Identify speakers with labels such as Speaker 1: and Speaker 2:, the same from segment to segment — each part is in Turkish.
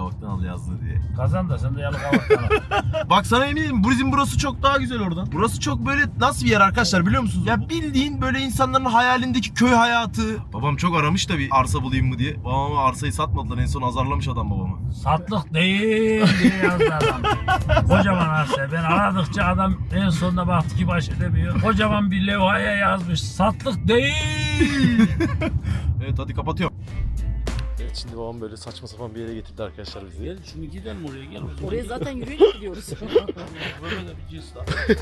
Speaker 1: Yalıkavak'tan al yazdı diye.
Speaker 2: Kazan da sen de Yalıkavak'tan al.
Speaker 1: Bak sana eminim bizim burası çok daha güzel oradan. Burası çok böyle nasıl bir yer arkadaşlar biliyor musunuz? Ya bildiğin böyle insanların hayalindeki köy hayatı. Babam çok aramış da bir arsa bulayım mı diye. Babama arsayı satmadılar, en son azarlamış adam babamı.
Speaker 2: Satlık değil diye yazdı adam. Kocaman arsa. Ben aradıkça adam en sonunda baktı ki baş edemiyor. Kocaman bir levhaya yazmış. Satlık değil.
Speaker 1: Evet hadi kapatıyorum. Evet şimdi babam böyle saçma sapan bir yere getirdi arkadaşlar bizi.
Speaker 2: Gel şimdi gidelim oraya gel.
Speaker 3: Oraya zaten yürüyerek gidiyoruz.
Speaker 2: Böyle de bir cins daha.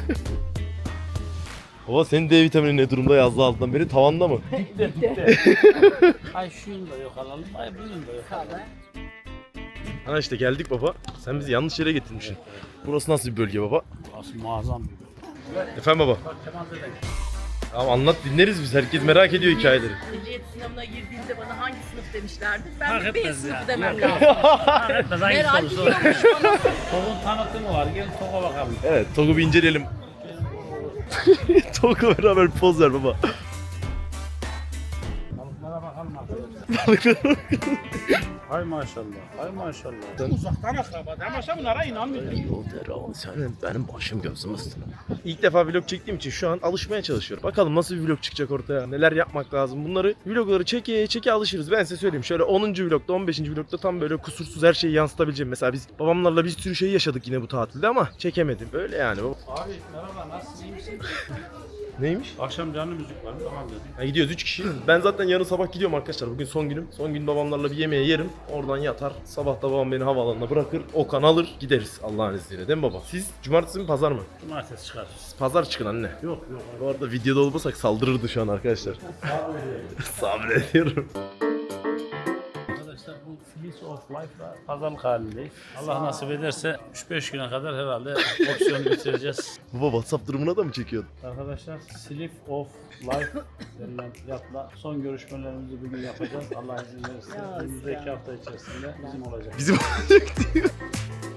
Speaker 1: Baba senin D vitamini ne durumda yazdı alttan beri, tavanda mı?
Speaker 2: Dikte. Ay şunu da yok alalım. Ay bunun da yok alalım.
Speaker 1: Ha işte geldik baba. Sen bizi yanlış yere getirmişsin. Burası nasıl bir bölge baba?
Speaker 2: Burası muazzam bir bölge.
Speaker 1: Efendim baba.
Speaker 2: Bak Kemal dede.
Speaker 1: Tamam anlat, dinleriz biz. Herkes merak ediyor hikayeleri.
Speaker 3: Ehliyet sınavına girdiğimde bana hangi sınıf demişlerdi? Ben
Speaker 2: Fark
Speaker 3: de B
Speaker 2: etmez
Speaker 3: sınıfı
Speaker 2: ya.
Speaker 3: demem
Speaker 2: Yok,
Speaker 3: lazım.
Speaker 2: Fark etmez hangi
Speaker 3: Merak
Speaker 2: sorusu.
Speaker 3: ediyormuş bana.
Speaker 2: TOG'un tanıtımı var. Gel TOG'a bakalım.
Speaker 1: Evet, TOG'u bir inceleyelim. TOG'la beraber poz ver baba.
Speaker 2: Balıklara bakalım arkadaşlar. Hay maşallah. Hay maşallah. Uzaktan akraba. Ama bunlara inanmıyorum.
Speaker 1: Senin benim başım gözüm üstüne. İlk defa vlog çektiğim için şu an alışmaya çalışıyorum. Bakalım nasıl bir vlog çıkacak ortaya, neler yapmak lazım. Bunları vlogları çeke alışırız. Ben size söyleyeyim. Şöyle 10. vlogda, 15. vlogda tam böyle kusursuz her şeyi yansıtabileceğim. Mesela biz babamlarla bir sürü şey yaşadık yine bu tatilde ama çekemedim. Böyle yani.
Speaker 2: Abi merhaba nasılsın? İyi misin?
Speaker 1: Neymiş?
Speaker 2: Akşam canlı müzik var mı? Tamam dedim.
Speaker 1: Ha, gidiyoruz 3 kişi. Ben zaten yarın sabah gidiyorum arkadaşlar. Bugün son günüm. Son gün babamlarla bir yemeğe yerim. Oradan yatar. Sabah da babam beni havaalanına bırakır. Okan alır. Gideriz Allah'ın izniyle. Değil mi baba? Siz cumartesi mi pazar mı?
Speaker 2: Cumartesi çıkar.
Speaker 1: Pazar çıkın anne.
Speaker 2: Yok yok.
Speaker 1: Bu arada videoda olmasak saldırırdı şu an arkadaşlar. Sabrediyorum.
Speaker 2: Arkadaşlar bu Fleece of Life'la pazarlık halindeyiz. Allah nasip ederse 3-5 güne kadar herhalde opsiyonu bitireceğiz.
Speaker 1: Baba WhatsApp durumuna da mı çekiyordun?
Speaker 2: Arkadaşlar Sleep of Life denilen fiyatla son görüşmelerimizi bugün yapacağız. Allah izin verirse önümüzdeki hafta içerisinde bizim olacak.
Speaker 1: Bizim olacak diyor.